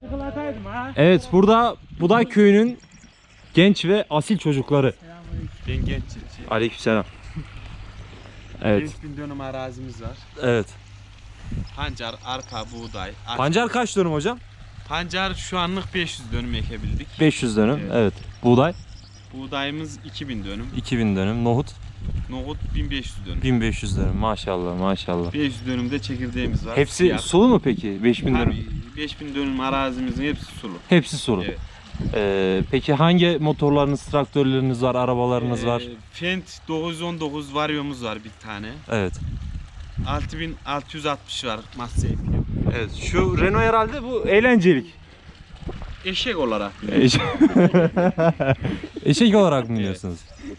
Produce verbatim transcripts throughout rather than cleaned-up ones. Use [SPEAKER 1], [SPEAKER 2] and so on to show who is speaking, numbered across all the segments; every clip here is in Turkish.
[SPEAKER 1] Evet, burada Buday Köyü'nün genç ve asil çocukları.
[SPEAKER 2] Ben genç çiftçi.
[SPEAKER 1] Aleykümselam. Evet.
[SPEAKER 2] beş bin dönüm arazimiz var.
[SPEAKER 1] Evet.
[SPEAKER 2] Pancar, arpa, buğday. arpa.
[SPEAKER 1] Pancar kaç dönüm hocam?
[SPEAKER 2] Pancar şu anlık beş yüz dönüm ekebildik.
[SPEAKER 1] beş yüz dönüm.
[SPEAKER 2] Evet.
[SPEAKER 1] Evet. Buğday
[SPEAKER 2] Buğdayımız iki bin dönüm.
[SPEAKER 1] iki bin dönüm. Nohut
[SPEAKER 2] Nohut bin beş yüz dönüm.
[SPEAKER 1] bin beş yüz dönüm. Maşallah, maşallah.
[SPEAKER 2] beş yüz dönümde çekirdeğimiz var.
[SPEAKER 1] Hepsi
[SPEAKER 2] Siyah.
[SPEAKER 1] sulu mu peki? beş bin dönüm.
[SPEAKER 2] Tabii beş bin dönüm arazimizin hepsi sulu.
[SPEAKER 1] Hepsi sulu.
[SPEAKER 2] Evet.
[SPEAKER 1] Ee, peki hangi motorlarınız, traktörleriniz var, arabalarınız
[SPEAKER 2] Ee,
[SPEAKER 1] var?
[SPEAKER 2] Fendt dokuz yüz on dokuz Vario'muz var bir tane.
[SPEAKER 1] Evet.
[SPEAKER 2] altı bin altı yüz altmış var Massey.
[SPEAKER 1] Evet. Şu Renault herhalde bu eğlencelik.
[SPEAKER 2] Eşek olarak.
[SPEAKER 1] Eşek, Eşek olarak mı diyorsunuz?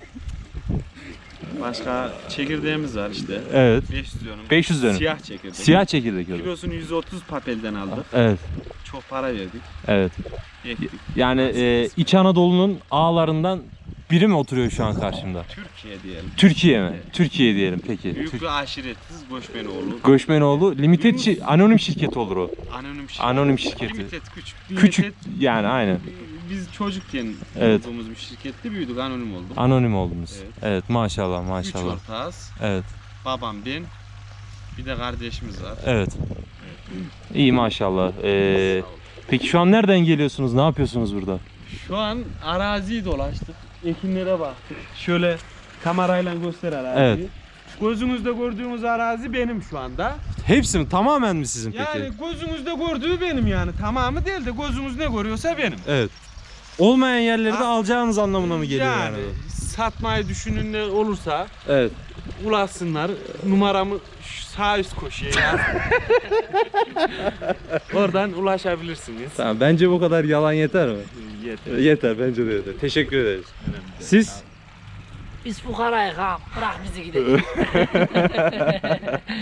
[SPEAKER 2] Başka çekirdeğimiz var işte.
[SPEAKER 1] Evet.
[SPEAKER 2] beş yüz dönüm.
[SPEAKER 1] beş yüz dönüm.
[SPEAKER 2] Siyah çekirdek.
[SPEAKER 1] Siyah çekirdek olur.
[SPEAKER 2] Kilosunu yüz otuz papelden aldık.
[SPEAKER 1] Evet.
[SPEAKER 2] Çok para verdik.
[SPEAKER 1] Evet.
[SPEAKER 2] Ektik.
[SPEAKER 1] Yani e, İç Anadolu'nun ağlarından biri mi oturuyor şu an karşımda?
[SPEAKER 2] Türkiye diyelim.
[SPEAKER 1] Türkiye mi?
[SPEAKER 2] Evet.
[SPEAKER 1] Türkiye diyelim peki.
[SPEAKER 2] Büyük
[SPEAKER 1] Tür-
[SPEAKER 2] bir aşiretiz Göçmenoğlu.
[SPEAKER 1] Göçmenoğlu Limited şi- anonim şirket olur o.
[SPEAKER 2] Anonim şirket.
[SPEAKER 1] Anonim şirketi.
[SPEAKER 2] Limited küçük.
[SPEAKER 1] Küçük
[SPEAKER 2] Limited,
[SPEAKER 1] yani aynen.
[SPEAKER 2] biz çocukken
[SPEAKER 1] Evet.
[SPEAKER 2] olduğumuz bir şirkette büyüdük, anonim olduk.
[SPEAKER 1] Anonim oldunuz. Evet,
[SPEAKER 2] Evet.
[SPEAKER 1] maşallah
[SPEAKER 2] Üç
[SPEAKER 1] maşallah.
[SPEAKER 2] ortağız.
[SPEAKER 1] Evet.
[SPEAKER 2] Babam, ben, bir de kardeşimiz var.
[SPEAKER 1] Evet. İyi maşallah. Ee, peki şu an nereden geliyorsunuz? Ne yapıyorsunuz burada?
[SPEAKER 2] Şu an araziyi dolaştık. Ekinlere baktık. Şöyle kamerayla göster araziyi.
[SPEAKER 1] Evet.
[SPEAKER 2] Gözünüzde gördüğünüz arazi benim şu anda.
[SPEAKER 1] Hepsi mi? Tamamen mi sizin peki?
[SPEAKER 2] Yani gözünüzde gördüğü benim yani. Tamamı değil de gözünüz ne görüyorsa benim.
[SPEAKER 1] Evet. Olmayan yerleri de
[SPEAKER 2] Ha-
[SPEAKER 1] alacağınız anlamına mı geliyor yani?
[SPEAKER 2] Yani satmayı düşünenler olursa
[SPEAKER 1] Evet.
[SPEAKER 2] ulaşsınlar. Numaramı şu sağ üst köşeye yaz. Oradan ulaşabilirsiniz.
[SPEAKER 1] Tamam, bence bu kadar yalan yeter mi?
[SPEAKER 2] Yeter.
[SPEAKER 1] Yeter, bence de yeter. Teşekkür ederiz. Siz?
[SPEAKER 3] Biz fukarayız ha. Bırak bizi gidelim.